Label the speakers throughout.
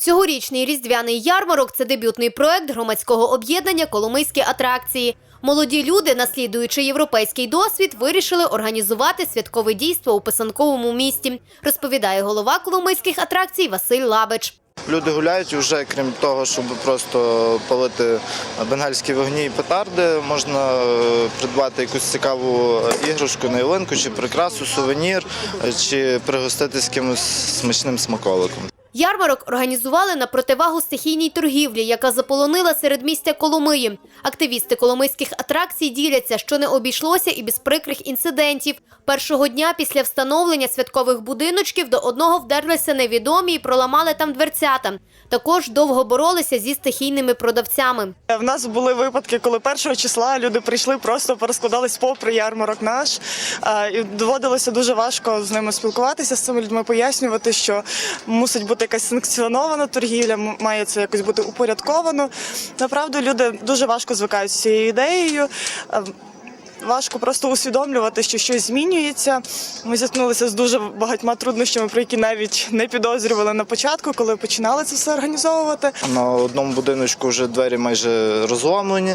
Speaker 1: Цьогорічний різдвяний ярмарок – це дебютний проект громадського об'єднання «Коломийські атракції». Молоді люди, наслідуючи європейський досвід, вирішили організувати святкове дійство у писанковому місті, розповідає голова Коломийських атракцій Василь Лабич.
Speaker 2: Люди гуляють вже, крім того, щоб просто палити бенгальські вогні і петарди, можна придбати якусь цікаву іграшку на ялинку, чи прикрасу, сувенір, чи пригоститись якимось смачним смаколиком.
Speaker 1: Ярмарок організували на противагу стихійній торгівлі, яка заполонила середмістя Коломиї. Активісти коломийських атракцій діляться, що не обійшлося і без прикрих інцидентів. Першого дня після встановлення святкових будиночків до одного вдерлися невідомі і проламали там дверцята. Також довго боролися зі стихійними продавцями.
Speaker 3: В нас були випадки, коли 1 числа люди прийшли, просто порозкладались попри ярмарок наш. І доводилося дуже важко з ними спілкуватися, з цими людьми, пояснювати, що мусить бути якась санкціонована торгівля, має це якось бути упорядковано. Направду, люди дуже важко звикають з цією ідеєю. Важко просто усвідомлювати, що щось змінюється. Ми зіткнулися з дуже багатьма труднощами, про які навіть не підозрювали на початку, коли починали це все організовувати.
Speaker 2: На одному будиночку вже двері майже розломлені,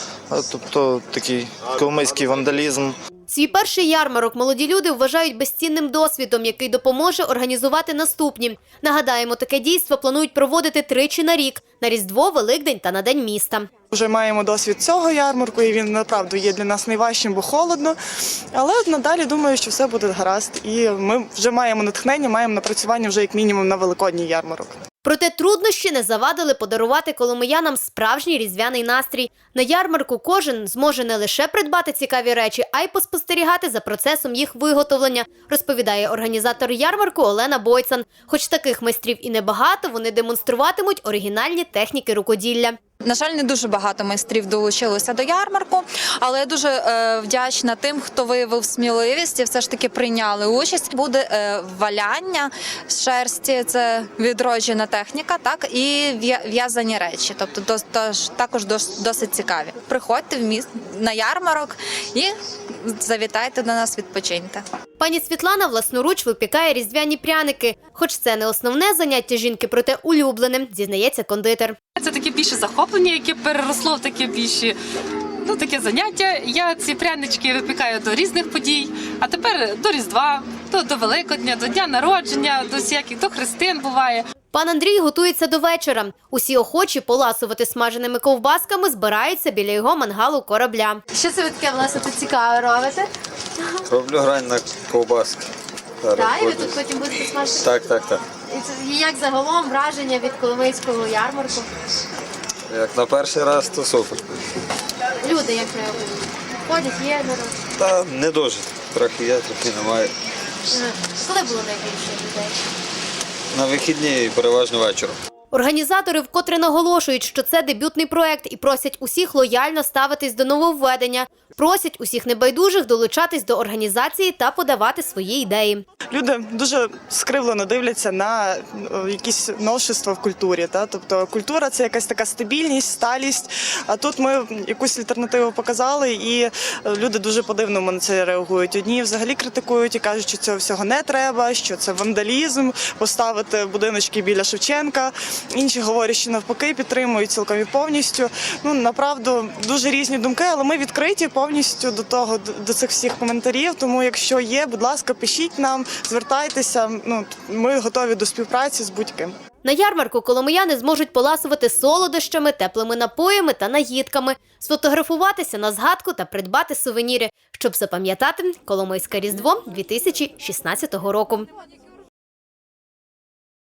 Speaker 2: тобто такий коломийський вандалізм.
Speaker 1: Свій перший ярмарок молоді люди вважають безцінним досвідом, який допоможе організувати наступні. Нагадаємо, таке дійство планують проводити тричі на рік – на Різдво, Великдень та на День міста.
Speaker 3: Вже маємо досвід цього ярмарку, і він, направду, є для нас найважчим, бо холодно. Але надалі, думаю, що все буде гаразд. І ми вже маємо натхнення, маємо напрацювання вже як мінімум на Великодній ярмарок.
Speaker 1: Проте труднощі не завадили подарувати коломиянам справжній різдвяний настрій. На ярмарку кожен зможе не лише придбати цікаві речі, а й поспостерігати за процесом їх виготовлення, розповідає організатор ярмарку Олена Бойцан. Хоч таких майстрів і небагато, вони демонструватимуть оригінальні техніки рукоділля.
Speaker 4: На жаль, не дуже багато майстрів долучилося до ярмарку, але я дуже вдячна тим, хто виявив сміливість і все ж таки прийняли участь. Буде валяння з шерсті, це відроджена техніка, так, і в'язані речі, тобто також досить цікаві. Приходьте на ярмарок і завітайте до нас, відпочиньте.
Speaker 1: Пані Світлана власноруч випікає різдвяні пряники. Хоч це не основне заняття жінки, проте улюблене, зізнається кондитер.
Speaker 5: Це таке більше захоплення, яке переросло в таке більше, таке заняття. Я ці прянички випікаю до різних подій, а тепер до Різдва, до Великодня, до Дня народження, до хрестин буває.
Speaker 1: Пан Андрій готується до вечора. Усі охочі поласувати смаженими ковбасками збираються біля його мангалу корабля. Що це ви таке, власне, тут цікаве робите?
Speaker 6: Роблю грань на ковбаски.
Speaker 1: Так, і ви тут потім будете смажити?
Speaker 6: Так.
Speaker 1: І як загалом враження від Коломийського ярмарку?
Speaker 6: Як на перший раз, то супер.
Speaker 1: Люди як реагують? Ходять, є народ?
Speaker 6: Та не дуже. Трохи є, трохи немає.
Speaker 1: Коли було найбільше людей?
Speaker 6: На вихідні і переважно вечором.
Speaker 1: Організатори вкотре наголошують, що це дебютний проект і просять усіх лояльно ставитись до нововведення. Просять усіх небайдужих долучатись до організації та подавати свої ідеї.
Speaker 3: Люди дуже скривлено дивляться на якісь новшества в культурі. Тобто культура – це якась така стабільність, сталість. А тут ми якусь альтернативу показали, і люди дуже по-дивному на це реагують. Одні взагалі критикують і кажуть, що цього всього не треба, що це вандалізм, поставити будиночки біля Шевченка. Інші говорять, що навпаки підтримують цілком і повністю. Направду, дуже різні думки, але ми відкриті повністю до цих всіх коментарів. Тому, якщо є, будь ласка, пишіть нам, звертайтеся. Ми готові до співпраці з будь-ким.
Speaker 1: На ярмарку коломияни зможуть поласувати солодощами, теплими напоями та наїдками, сфотографуватися на згадку та придбати сувеніри, щоб запам'ятати Коломийське Різдво 2016 року.